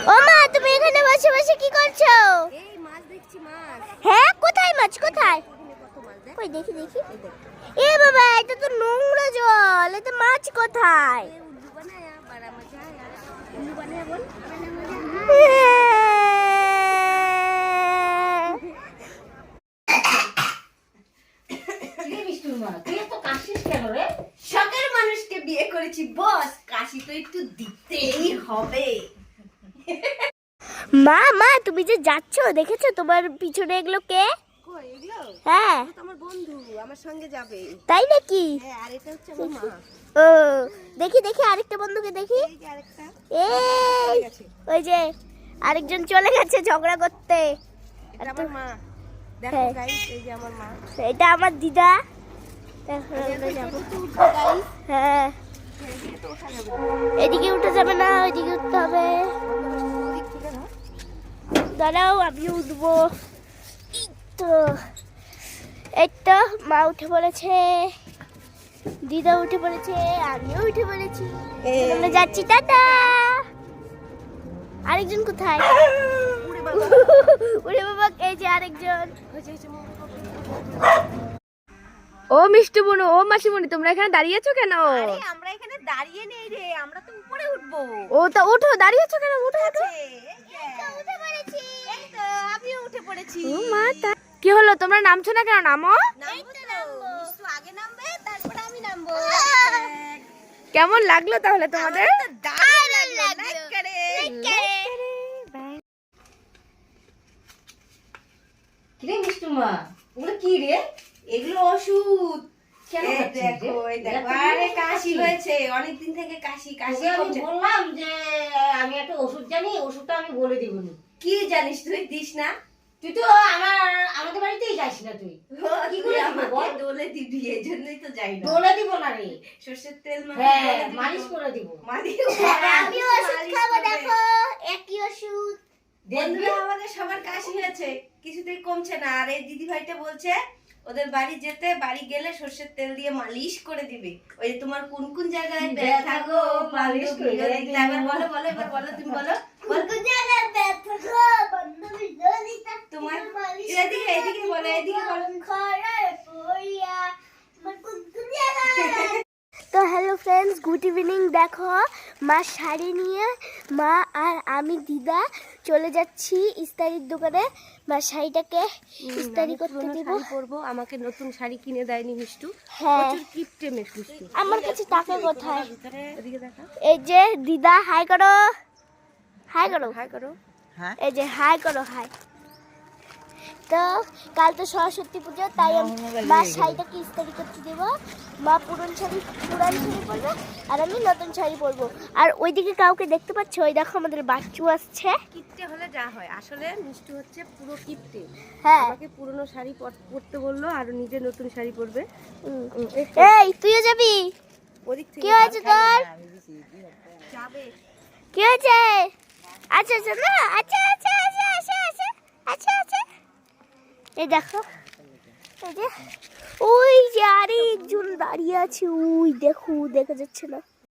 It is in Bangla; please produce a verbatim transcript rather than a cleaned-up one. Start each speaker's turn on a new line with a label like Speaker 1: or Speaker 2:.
Speaker 1: ও মা, তুমি এখানে বসে বসে কি করছো?
Speaker 2: এই মাছ দেখছি, মাছ।
Speaker 1: হ্যাঁ, কোথায় মাছ? কোথায়? কই দেখি দেখি। এ বাবা, এটা তো নোংরা জল, এতে মাছ কোথায়?
Speaker 2: উল্লু বানায়া বড় মজা আয়া। উল্লু বানায়া বল। শখের মানুষকে বিয়ে করেছি বস, কাশি তো একটু দিতেই হবে।
Speaker 1: মা মা, তুমি যে যাচ্ছ দেখেছো তোমার পিছনে এগুলো কে?
Speaker 2: কই এগুলো?
Speaker 1: হ্যাঁ,
Speaker 2: এটা তো আমার বন্ধু, আমার সঙ্গে যাবে।
Speaker 1: তাই নাকি?
Speaker 2: হ্যাঁ, আর এটা হচ্ছে আমার মা।
Speaker 1: ও, দেখি দেখি আরেকটা বন্ধুকে দেখি।
Speaker 2: এই যে আরেকটা
Speaker 1: এই ওই যে আরেকজন চলে গেছে ঝগড়া করতে।
Speaker 2: এটা আমার মা। দেখো
Speaker 1: হ্যাঁ।
Speaker 2: গাইস, এই যে আমার মা।
Speaker 1: এটা আমার দিদা। দেখো, আমরা যাবো।
Speaker 2: গাইস,
Speaker 1: হ্যাঁ,
Speaker 2: এদিকে তো ওঠা যাবে না।
Speaker 1: এদিকে উঠে যাবে না, ওইদিকে উঠতে হবে।
Speaker 2: ওদিক থেকে না।
Speaker 1: দাঁড়াও, আমি উঠবো। এই তো, এই তো মা উঠে পড়েছে, দিদা উঠে পড়েছে, আমিও উঠে পড়েছি। আমরা যাচ্ছি, টাটা। আরেকজন কোথায়?
Speaker 2: উড়ে বাবা।
Speaker 1: ওরে বাবা, এই যে আরেকজন।
Speaker 3: ও মিষ্টি বুনু, ও মাসিমণি, তোমরা এখানে দাঁড়িয়ে আছো কেন?
Speaker 2: আরে আমরা এখানে দাঁড়িয়ে নেই রে, আমরা তো উপরে উঠবো।
Speaker 3: ও তা ওঠো, দাঁড়িয়ে আছো কেন? ওঠো ওঠো।
Speaker 2: উঠে পড়েছি। এই তো আমিও উঠে পড়েছি।
Speaker 3: ও মা, তা কি হলো, তোমরা নামছো না কেন? নামো।
Speaker 2: নামবো তো, মিষ্টু আগে নামবে, তারপরে আমি নামবো।
Speaker 3: কেমন লাগলো তাহলে তোমাদের?
Speaker 2: আমার তো দারুণ লাগলো, লাইক করে। কি রে মিষ্টু মা, ওগুলো কি রে? এগুলো ওষুধ। কেন দেখো, এই দেখো, আরে কাশি হয়েছে, অনেকদিন থেকে কাশি কাশি
Speaker 4: আমি বললাম যে আমি একটা ওষুধ জানি, ওষুধটা আমি বলে দিব না।
Speaker 2: কি জানিস তুই? দিস না।
Speaker 4: তুই তো আমার আমাদের বাড়িতেই যাস না তুই।
Speaker 2: কি করে আমাকে দোলে দিবি, এই জন্যই তো যাই না।
Speaker 4: বলে দিব না রে।
Speaker 2: সর্ষের তেল
Speaker 4: হ্যাঁ, মালিশ করে দিব।
Speaker 2: মালিশ
Speaker 1: আমি ওষুধ খাবো, দেখো একই ওষুধ।
Speaker 4: দেখবি
Speaker 2: বন্ধুরা, আমাদের সবার কাশি হয়েছে, কিছুতেই কমছে না। আর এই দিদি ভাইটা বলছে ওদের বাড়ি যেতে, বাড়ি গেলে সর্ষের তেল দিয়ে মালিশ করে দিবে। ওই যে তোমার কোন কোন জায়গায় ব্যথা গো মালিশ করে দিতে। এবার বলো বলো, এবার বলো, তুমি বলো। বল।
Speaker 1: কোন জায়গায় ব্যথা গো, বন্ধু ললিতা,
Speaker 2: তোমার
Speaker 1: মালিশ
Speaker 2: এদিকে এদিকে বলো, এদিকে বলো।
Speaker 1: খরে পড়িয়া, আমার কোন কোন জায়গায়। তো হ্যালো ফ্রেন্ডস, গুড ইভিনিং। দেখো, মা শাড়ি নিয়ে মা আর আমি দিদা চলে যাচ্ছি ইস্তারির দোকানে। মা শাড়িটাকে ইস্তারি করতে দিব।
Speaker 2: শাড়ি পরবো, আমাকে নতুন শাড়ি কিনে দেয়নি মিষ্টু।
Speaker 1: হ্যাঁ,
Speaker 2: প্রচুর কিপটে মিষ্টু।
Speaker 1: আমার কাছে টাকা কোথায়?
Speaker 2: এদিকে দেখা।
Speaker 1: এই যে দিদা, হাই করো, হাই করো,
Speaker 2: হাই করো।
Speaker 1: এই যে হাই করো, হাই। তো কাল তো সরস্বতী পুজো, তাই আমি মা শাড়িটাকে ইস্তারি করতে দেবো। মা পুরন শাড়ি পুরান শাড়ি পরবে, আর আমি নতুন শাড়ি পরবো। আর ওইদিকে কাউকে দেখতে পাচ্ছ? ওই দেখো, আমাদের বাচ্চু আসছে।
Speaker 2: কিপটে হলে যা হয়, আসলে মিষ্টু হচ্ছে পুরো কিপটে।
Speaker 1: হ্যাঁ,
Speaker 2: আমাকে পুরনো শাড়ি পর- পরতে বললো, আর নিজে নতুন শাড়ি পরবে।
Speaker 1: উম।
Speaker 2: উম, এই
Speaker 1: এই তুইও যাবি?
Speaker 2: ওদিক থেকে
Speaker 1: কি হয়েছে তোর?
Speaker 2: যাবে।
Speaker 1: কি হয়েছে? আচ্ছা আচ্ছা, না, আচ্ছা আচ্ছা আচ্ছা আচ্ছা আচ্ছা আচ্ছা আচ্ছা। এই দেখো, এই যে ওই যে আরেকজন দাঁড়িয়ে আছে, ওই দেখো, দেখা যাচ্ছে না?